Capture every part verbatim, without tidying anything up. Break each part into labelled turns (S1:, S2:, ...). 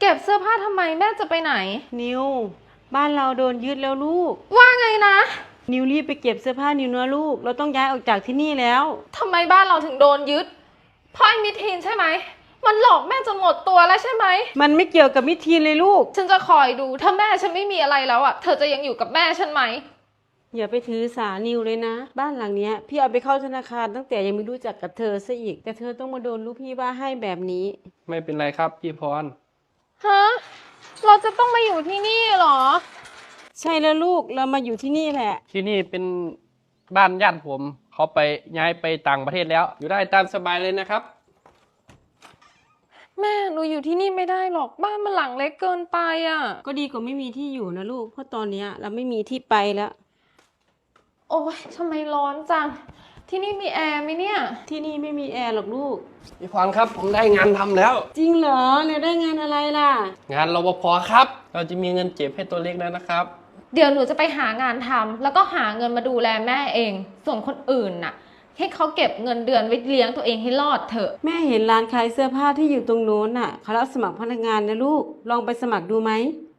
S1: เก็บเสื้อผ้าทำไมแม่จะไปไหน
S2: นิวบ้านเราโดนยึดแล้วลูก
S1: ว่าไงนะ
S2: นิวรีบไปเก็บเสื้อผ้านิวนะลูกเราต้องย้ายออกจากที่นี่แล้ว
S1: ทำไมบ้านเราถึงโดนยึดเพราะไอ้มิทีนใช่ไหมมันหลอกแม่จนหมดตัวแล้วใช่ไหม
S2: มันไม่เกี่ยวกับมิทีนเลยลูก
S1: ฉันจะคอยดูถ้าแม่ฉันไม่มีอะไรแล้วอ่ะเธอจะยังอยู่กับแม่ฉันไหม
S2: อย่าไปถือสานิวเลยนะบ้านหลังเนี้ยพี่เอาไปเข้าธนาคารตั้งแต่ยังไม่รู้จักกับเธอซะอีกแต่เธอต้องมาโดนลูกพี่ว่าให้แบบนี้
S3: ไม่เป็นไรครับพี่พร
S1: ฮะเราจะต้องมาอยู่ที่นี่เหรอ
S2: ใช่แล้วลูกเรามาอยู่ที่นี่แหละ
S3: ที่นี่เป็นบ้านญาติผมเขาไปย้ายไปต่างประเทศแล้วอยู่ได้ตามสบายเลยนะครับ
S1: แม่หนูอยู่ที่นี่ไม่ได้หรอกบ้านมันหลังเล็กเกินไปอ่ะ
S2: ก็ดีกว่าไม่มีที่อยู่นะลูกเพราะตอนนี้เราไม่มีที่ไปแล้ว
S1: โอ๊ยทำไมร้อนจังที่นี่มีแอร์ไหมเนี่ย
S2: ที่นี่ไม่มีแอร์หรอกลูก
S3: พี่พรครับผมได้งานทำแล้ว
S2: จริงเหรอเนี่ยได้งานอะไรล่ะ
S3: งานรปภครับเราจะมีเงินเจ็บให้ตัวเล็กแล้วนะครับ
S1: เดี๋ยวหนูจะไปหางานทำแล้วก็หาเงินมาดูแลแม่เองส่วนคนอื่นน่ะให้เขาเก็บเงินเดือนไว้เลี้ยงตัวเองให้รอดเถอะ
S2: แม่เห็นร้านขายเสื้อผ้าที่อยู่ตรงโน้นน่ะเขารับสมัครพนักงานนะลูกลองไปสมัครดูไหม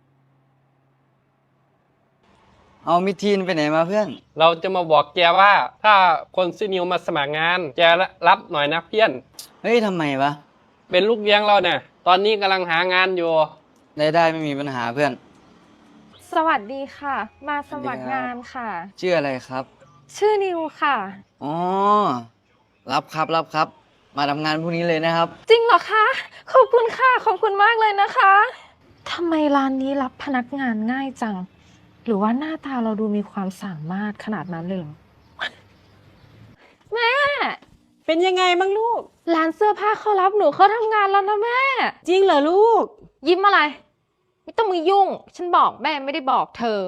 S4: เอามิทีนไปไหนมาเพื่อน
S3: เราจะมาบอกแกว่าถ้าคนซื้อนิวมาสมัครงานแกรับหน่อยนะเพื่อน
S4: เฮ้ยทำไมวะ
S3: เป็นลูกเลี้ยงเราเนี่ยตอนนี้กำลังหางานอยู่
S4: ได้ได้ไม่มีปัญหาเพื่อน
S1: สวัสดีค่ะมาสมัครงานค่ะ
S4: ชื่ออะไรครับ
S1: ชื่อนิวค่ะ
S4: อ๋อรับครับรับครับมาทำงานพรุ่งนี้เลยนะครับ
S1: จริงเหรอคะขอบคุณค่ะขอบคุณมากเลยนะคะทำไมร้านนี้รับพนักงานง่ายจังหรือว่าหน้าตาเราดูมีความสามารถขนาดนั้นเลยเหรอแม่
S2: เป็นยังไงบ้างลูก
S1: ร้านเสื้อผ้าเขารับหนูเขาทำงานแล้วนะแม่
S2: จริงเหรอลูก
S1: ยิ้มอะไรไม่ต้องมือยุ่งฉันบอกแม่ไม่ได้บอกเธอ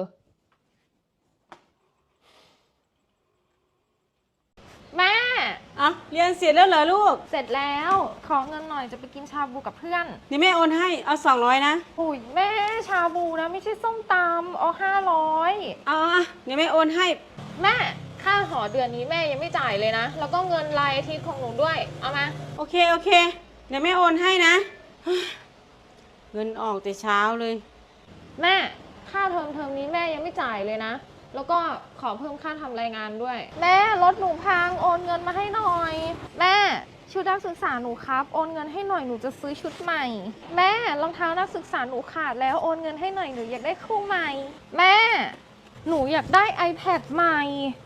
S1: แม่
S2: อ่ะเรียนเสร็จแล้วเหรอลูก
S1: เสร็จแล้วขอเงินหน่อยจะไปกินชาบูกับเพื่อน
S2: นี่แม่โอนให้เอาสองร้อยนะ
S1: โอ้ยแม่ชาบูนะไม่ใช่ส้มตำเอาห้าร้อย
S2: อ่ะเดี๋ยวแม่โอนให้
S1: แม่ค่าหอเดือนนี้แม่ยังไม่จ่ายเลยนะแล้วก็เงินรายอาทิตย์ของหนูด้วยเอามา
S2: โอเคโอเคเดี๋ยวแม่โอนให้นะเงินออกแต่เช้าเลย
S1: แม่ค่าเทอมเทอมนี้แม่ยังไม่จ่ายเลยนะแล้วก็ขอเพิ่มค่าทำรายงานด้วยแม่รถหนูพังโอนเงินมาให้หน่อยแม่ชุดนักศึกษาหนูครับโอนเงินให้หน่อยหนูจะซื้อชุดใหม่แม่รองเท้านักศึกษาหนูขาดแล้วโอนเงินให้หน่อยหนูอยากได้คู่ใหม่แม่หนูอยากได้ iPad ใหม่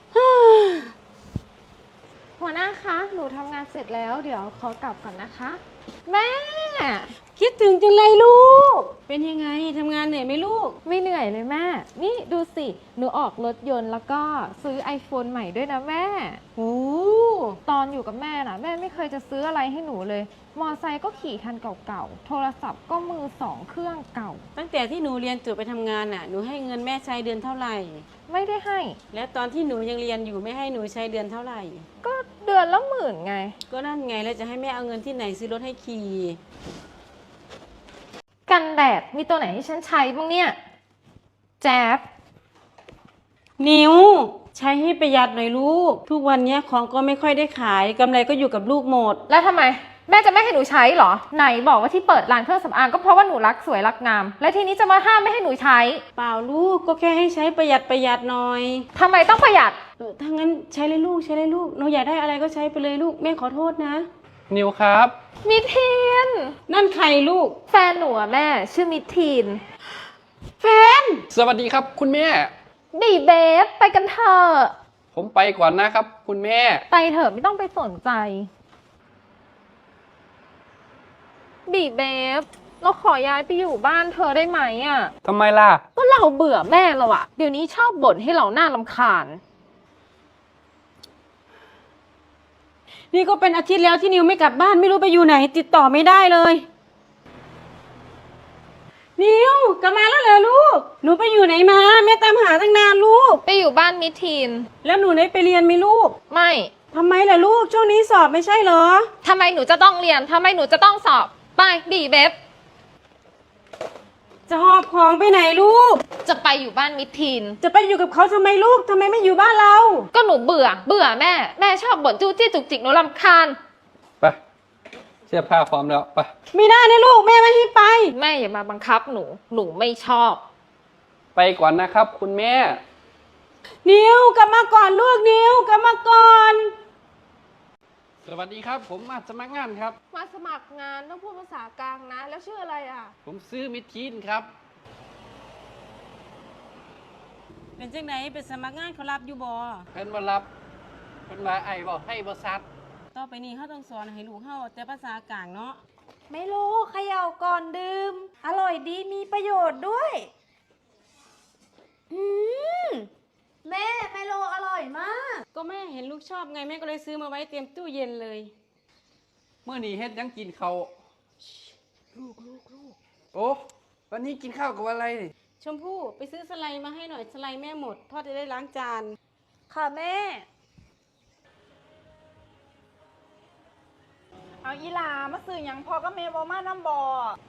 S1: หัวหน้าคะหนูทำงานเสร็จแล้วเดี๋ยวขอกลับก่อนนะคะแม่
S2: คิดถึงจังเลยลูกเป็นยังไงทำงานเหนื่อยไหมลูก
S1: ไม่เหนื่อยเลยแม่นี่ดูสิหนูออกรถยนต์แล้วก็ซื้อ iPhone ใหม่ด้วยนะแม่
S2: โอ้
S1: ตอนอยู่กับแม่น่ะแม่ไม่เคยจะซื้ออะไรให้หนูเลยมอไซค์ก็ขี่คันเก่าๆโทรศัพท์ก็มือสองเครื่องเก่า
S2: ตั้งแต่ที่หนูเรียนจบไปทำงานน่ะหนูให้เงินแม่ใช้เดือนเท่าไหร่
S1: ไม่ได้ให้
S2: แล้วตอนที่หนูยังเรียนอยู่ไม่ให้หนูใช้เดือนเท่าไหร่
S1: ก็เดือนละหมื่นไง
S2: ก็นั่นไงแล้วจะให้แม่เอาเงินที่ไหนซื้อรถให้ขี่
S1: กันแดดมีตัวไหนให้ฉันใช้บ้างเนี่ยแจ๊บ
S2: นิวใช้ให้ประหยัดหน่อยลูกทุกวันนี้ของก็ไม่ค่อยได้ขายกำไรก็อยู่กับลูกหมด
S1: แล้วทำไมแม่จะไม่ให้หนูใช้เหรอไหนบอกว่าที่เปิดร้านเครื่องสำอางก็เพราะว่าหนูรักสวยรักงามและทีนี้จะมาห้ามไม่ให้หนูใช้
S2: เปล่าลูกก็แค่ให้ใช้ประหยัดประหยัดหน่อย
S1: ทำไมต้องประหยัด
S2: เออถ้างั้นใช้เลยลูกใช้เลยลูกหนูอยากได้อะไรก็ใช้ไปเลยลูกแม่ขอโทษนะ
S3: นิวครับ
S1: มิทีน
S2: นั่นใครลูก
S1: แฟนหนูอะแม่ชื่อมิทีน
S2: แฟน
S3: สวัสดีครับคุณแม่
S1: บีเบฟไปกันเถอะ
S3: ผมไปก่อนนะครับคุณแม่
S1: ไปเถอะไม่ต้องไปสนใจบีเบฟเราขอย้ายไปอยู่บ้านเธอได้ไหมอ่ะ
S3: ทำไมล่ะ
S1: ก็เราเบื่อแม่เราอะเดี๋ยวนี้ชอบบ่นให้เราหน้ารำคาญ
S2: นี่ก็เป็นอาทิตย์แล้วที่นิวไม่กลับบ้านไม่รู้ไปอยู่ไหนติดต่อไม่ได้เลยนิวกลับมาแล้วเหรอลูกหนูไปอยู่ไหนมาแม่ตามหาตั้งนานลูก
S1: ไปอยู่บ้านมิทีน
S2: แล้วหนูได้ไปเรียนไหมลูก
S1: ไม่
S2: ทำไมล่ะลูกช่วงนี้สอบไม่ใช่เหรอ
S1: ทำไมหนูจะต้องเรียนทำไมหนูจะต้องสอบไปบีเบฟ
S2: จะหอบของไปไหนลูก
S1: จะไปอยู่บ้านมิทีน
S2: จะไปอยู่กับเขาทำไมลูกทำไมไม่อยู่บ้านเรา
S1: ก็หนูเบื่อเบื่อแม่แม่ชอบบ่นจู้จี้จุกจิกหนูรำคาญ
S3: ไปเสื้อผ้าพร้อมแล้วไป
S2: ไม่ได้นะลูกแม่ไม่ให้ไป
S1: แม่อย่ามาบังคับหนู หนูไม่ชอบ
S3: ไปก่อนนะครับ คุณแม่
S2: นิวกลับมาก่อนลูกนิวกลับมาก่อน
S3: สวัสดีครับ ผมมาสมัครงานครับ
S1: มาสมัครงานต้องพูดภาษากลางนะ แล้วชื่ออะไรอ่ะ
S3: ผมซื้อมิดทีนครับ
S2: เป็นจังไหนเป็นสมัครงานเขารับอยู่บ่
S3: เพิ่นมารับเพิ่นมาไอ้บอกให้บริษัท
S2: ต่อไปนี้เขาต้องสอนให้ลูกเขาแต่ภาษากลางเนาะ
S5: ไม่รู้เขย่าก่อนดื่ม อร่อยดีมีประโยชน์ด้วย อืม แม่ไมโลอร่อยมาก
S2: ก็แม่เห็นลูกชอบไงแม่ก็เลยซื้อมาไว้เตรียมตู้เย็นเลย
S3: เมื่อนี้เฮ็ดหยังกินเขาวลูกลูกลูกโอ้วันนี้กินข้าวกับอะไรนี่
S2: ชมพู่ไปซื้อสไลด์มาให้หน่อยสไลด์แม่หมดพ่อจะได้ล้างจาน
S5: ค่ะแม่ เอาอีหลามาซื้อหยังพอก็แม่บอมาน้ำบอ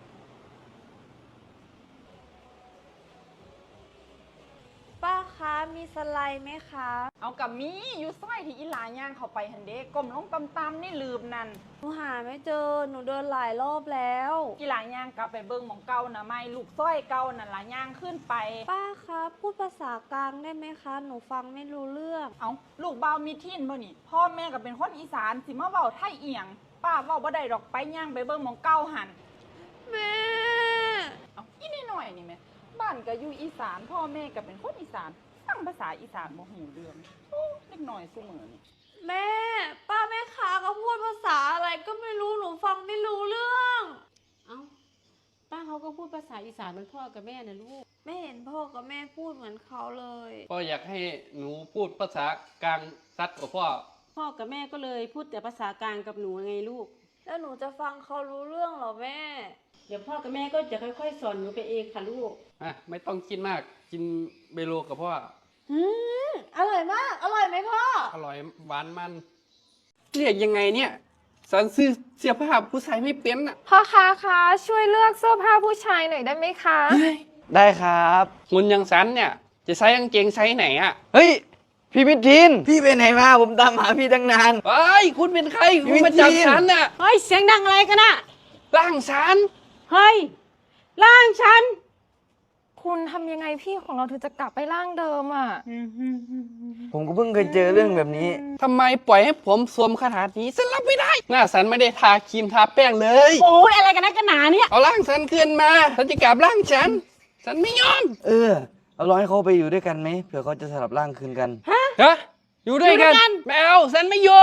S5: ป้าคะมีสไลด์ไหมคะ
S6: เอากับมีอยู่ซอยที่อีหลาย่างเข้าไปหันเด้กลมลงตำตำนี่ลืมนั่น
S5: หนูหาไม่เจอ หนูเดินหลายรอบแล้ว
S6: อีหลาย่างกลับไปเบิ่งหมองเก่านะไม่ลูกซอยเก่านั่นหลาย่างขึ้นไป
S5: ป้าคะพูดภาษากลางได้ไหมคะ หนูฟังไม่รู้เรื่อง
S6: เอาลูกเบาวมีทินบ่นี่พ่อแม่ก็เป็นคนอีสานสิมาเว้าไทยเอียง ป้าเว้าบ่ได้ดอกไปย่างไปเบิ่งหมองเก่าหัน
S5: แม่
S6: เอาอีนี่หน่อยนี่แม่บ้านก็อยู่อีสาน พ่อแม่ก็เป็นคนอีสานฟังภาษาอีสานบ่หูเรื่องโอ้เล็กน้อยซุมื้อนี่
S5: แม่ ป้าแม่ค้าก็พูดภาษาอะไรก็ไม่รู้ หนูฟังไม่รู้เรื่อง
S2: เอ้าป้าเขาก็พูดภาษาอีสานเหมือนพ่อกับแม่นะลูก
S5: ไม่เห็นพ่อกับแม่พูดเหมือนเขาเลย
S3: พ่ออยากให้หนูพูดภาษากลางซัดกับพ่อ
S2: พ่อกับแม่ก็เลยพูดแต่ภาษากลางกับหนูไงลูก
S5: แล้วหนูจะฟังเขารู้เรื่องเหรอแม่
S2: เดี๋ยวพ่อกับแม่ก็จะค่อยๆสอนหนูไปเองค่ะลูก
S3: อ่ะไม่ต้องกินมาก กินเบโลกับพ่อ
S5: อืมอร่อยมาก อร่อยไหมพ่อ
S3: อร่อยหวานมัน เรียกยังไงเนี่ยสันซื้อเสื้อผ้าผู้ชายไม่เป็นอ่ะ
S1: พ่อค้าคะช่วยเลือกเสื้อผ้าผู้ชายหน่อยได้ไหมคะ
S4: ได้ครับ
S3: หุ่นอยังสันเนี่ย จะใส่กางเกงไซส์ไหนอ่ะ
S4: เฮ้ย พี่มิทิน พี่ไปไหนมา ผมตามหาพี่ตั้งนาน
S3: เฮ้ย คุณเป็นใคร คุณมาจับฉันน่ะ
S2: เฮ้ยเสียงดังอะไรกันอะ
S3: ร่างฉัน
S2: เฮ้ยร่างฉัน
S1: คุณทำยังไงพี่ของเราถึงจะกลับไปร่างเดิมอ่ะ
S4: ผมก็เพิ่งเคยเจอเรื่องแบบนี้
S3: ทำไมปล่อยให้ผมสวมคาถานี้ฉันรับไม่ได้ หน้าฉันไม่ได้ทาครีมทาแป้งเลย
S2: โอ้ยอะไรกันนักกันหนาเนี่ย
S3: เอาร่างฉันคืนมาฉันจะกลับร่างฉัน ฉันไม่ยอม
S4: เออ เอาลองให้เขาไปอยู่ด้วยกันไหมเผื่อเขาจะสลับร่างคืนกัน
S3: ฮะ อยู่ด้วยกัน
S2: อยู่ด้วยกัน
S3: ไม่เอาฉันไม่อยู่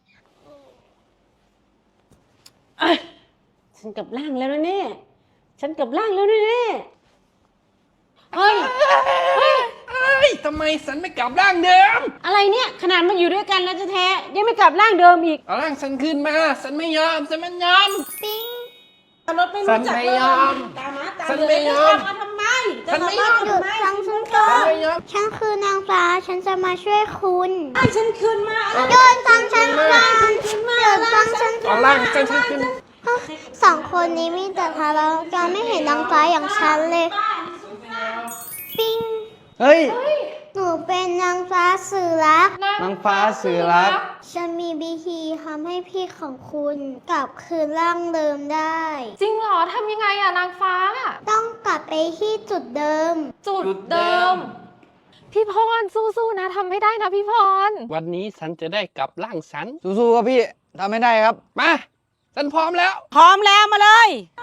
S2: ฉันกลับร่างแล้วนะเนี่ยฉันกลับร่างแล้วนะเนี่ยเฮ้ย
S3: เฮ้ยทำไมฉันไม่กลับร่างเดิม
S2: อะไรเนี่ยขนาดมาอยู่ด้วยกันแล้วแท้ๆยังไม่กลับร่างเดิมอีก
S3: เอาร่างฉันคืนมา ฉันไม่ยอม ฉันไม่ยอม
S2: รถไม่รู้จัก
S3: ฉันไม่
S2: เลย
S3: ยอม
S2: ตามมาตาม
S3: ฉัน
S2: เล
S3: ไม่
S2: ย
S3: ยอม
S2: จะมาทำไม
S3: ฉันไม่ยอม
S2: จะาทำไม
S7: ฟังฉันก่อ
S3: ฉัน
S7: น
S3: ไม่ยอม
S7: ฉันคือนางฟ้า ฉันจะมาช่วยคุณ
S2: ให้ฉันคืนมา
S7: โยนฟังฉันก่อนโยนฟังฉัน
S3: เอาร่างฉันคืน
S7: สองคนนี้มีแต่ทะเลาะกันไม่เห็นนางฟ้าอย่างฉันเลย ปิ้ง
S4: เฮ้ย
S7: หนูเป็นนางฟ้าสื่อรัก
S4: นางฟ้าสื่อรัก
S7: ฉันมีวิธีทำให้พี่ของคุณกลับคืนร่างเดิมได้
S1: จริงเหรอทำยังไงอะนางฟ้า
S7: ต้องกลับไปที่จุดเดิม
S1: จุดเดิม พี่พรสู้ๆนะทำให้ได้นะพี่พร
S3: วันนี้ฉันจะได้กลับร่างฉัน
S4: สู้ๆครับพี่ทำไม่ได้ครับ
S3: มา ฉันพร้อมแล้ว
S2: พร้อมแล้วมาเลย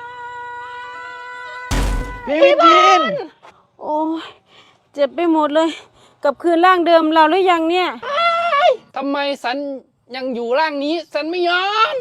S4: พี่มิทิน
S2: โอ้ยเจ็บไปหมดเลย กลับคืนร่างเดิมเราหรือยังเนี่ย
S3: ทำไมฉันยังอยู่ร่างนี้ ฉันไม่ยอม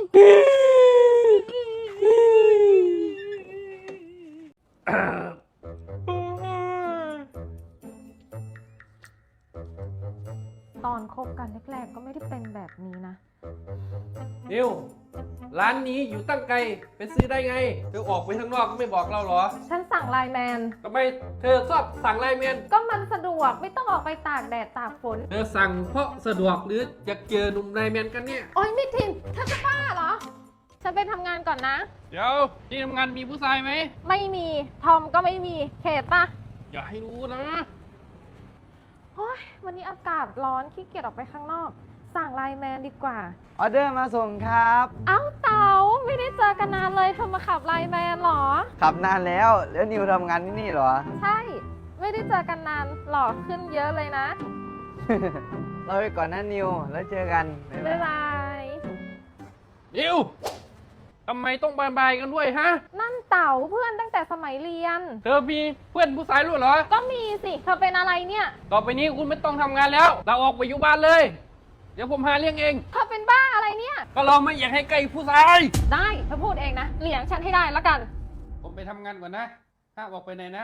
S1: ตอนคบกันแรกๆก็ไม่ได้เป็นแบบนี้นะ
S3: นิว ร้านนี้อยู่ตั้งไกล ไปซื้อได้ไง เธอออกไปข้างนอกก็ไม่บอกเราเหรอ
S1: ฉันสั่งไลน์แมน
S3: ทำไมเธอชอบสั่งไลน์แมน
S1: ก็มันสะดวกไม่ต้องออกไปตากแดดตากฝน
S3: เธอสั่งเพราะสะดวกหรืออยากเจอหนุ่มไลน์แมนกันเนี่ย
S1: โอ๊ยมิทินเธอจะบ้าเหรอ ฉันไปทำงานก่อนนะ
S3: เดี๋ยวที่ทำงานมีผู้ชายไหม
S1: ไม่มี ทอมก็ไม่มี เขตปะ
S3: อย่าให้รู้นะ
S1: โอ๊ยวันนี้อากาศร้อนขี้เกียจออกไปข้างนอกสั่งไลน์แมนดีกว่า
S4: ออเดอร์มาส่งครับ
S1: เอ้าเต๋าไม่ได้เจอกันนานเลยเธอมาขับไลน์แมนเหรอ
S4: ขับนานแล้ว แล้วนิวทำงานที่นี่เหรอ
S1: ใช่ ไม่ได้เจอกันนานหล่อขึ้นเยอะเลยนะ
S4: เราไปก่อนนะนิว แล้วเจอกัน
S1: บ๊ายบาย
S3: นิวทำไมต้องบายบายกันด้วยฮะ
S1: นั่นเต๋าเพื่อนตั้งแต่สมัยเรียน
S3: เธอมีเพื่อนผู้ชายรู้เหรอ
S1: ก็มีสิ เธอเป็นอะไรเนี่ย
S3: ต่อไปนี้คุณไม่ต้องทำงานแล้วเราออกไปอยู่บ้านเลย เดี๋ยวผมหาเลี้ยงเอง
S1: เธอเป็นบ้าอะไรเนี่ย
S3: ก็เราไม่อยากให้ใกล้ผู้ชาย
S1: ได้เธอพูดเองนะเลี้ยงฉันให้ได้แล้วกัน
S3: ผมไปทำงานก่อนนะห้ามออกไปไหนนะ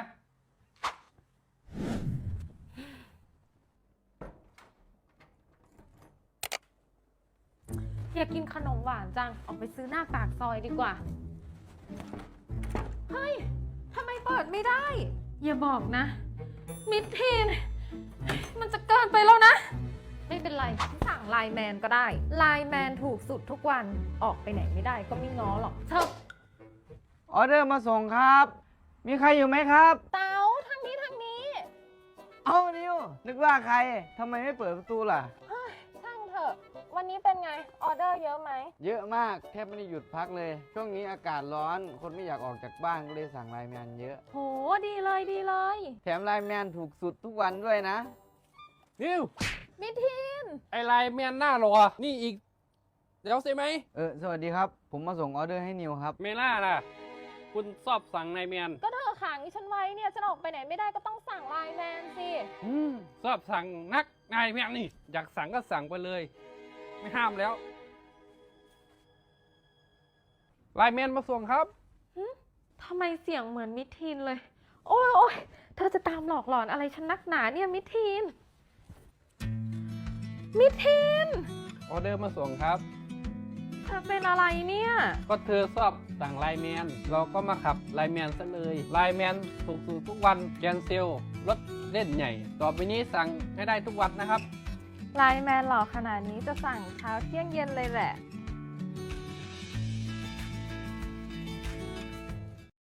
S1: อยากกินขนมหวานจัง ออกไปซื้อหน้าปากซอยดีกว่า เฮ้ย ทำไมเปิดไม่ได้ อย่าบอกนะ มิดทีน มันจะเกินไปแล้วนะ ไม่เป็นไรสั่งไลน์แมนก็ได้ ไลน์แมนถูกสุดทุกวัน ออกไปไหนไม่ได้ก็ไม่ง้อหรอกเชิญ
S4: ออเดอร์มาส่งครับ มีใครอยู่ไหมครับ
S1: เต๋าทางนี้ทางนี้
S4: เอ้านิว นึกว่าใคร ทำไมไม่เปิดประตูล่ะ
S1: เฮ้ยช่างเถอะ วันนี้เป็นไง ออเดอร์เยอะไหม
S4: เยอะมาก แทบไม่ได้หยุดพักเลย ช่วงนี้อากาศร้อน คนไม่อยากออกจากบ้านก็เลยสั่งไลน์แมนเยอะ
S1: โห ดีเลยดีเลย
S4: แถมไลน์แมนถูกสุดทุกวันด้วยนะ
S3: นิว
S1: มิทีน
S3: ไอไลน์แมนหน้าหรอ นี่อีก เดี๋ยวใช่ไหม
S4: เออ สวัสดีครับ ผมมาส่งออเดอร์ให้นิวครับ
S3: เมล่าล่ะ คุณชอบสั่งไลน์แมน
S1: ก็เธอขังฉันไว้เนี่ย ฉันออกไปไหนไม่ได้ก็ต้องสั่งไลน์แมนสิ
S4: อืม
S3: ชอบสั่งนักไลน์แมนนี่ อยากสั่งก็สั่งไปเลย ไม่ห้ามแล้วไลน์แมนมาส่งครับ
S1: ทำไมเสียงเหมือนมิทีนเลย โอ้ยโอ้ยเธอจะตามหลอกหลอนอะไรฉันนักหนาเนี่ยมิทีน มิทีน
S3: ออเดอร์มาส่งครับ
S1: เธอเป็นอะไรเนี่ย
S3: ก็เธอชอบสั่งไลน์แมน เราก็มาขับไลน์แมนซะเลยไลน์แมนถูกสุดทุกวันแกนเซลรถเล่นใหญ่ ต่อไปนี้สั่งให้ได้ทุกวันนะครับ
S1: ไลน์แมนหล่อขนาดนี้จะสั่งเช้าเที่ยงเย็นเลยแหละ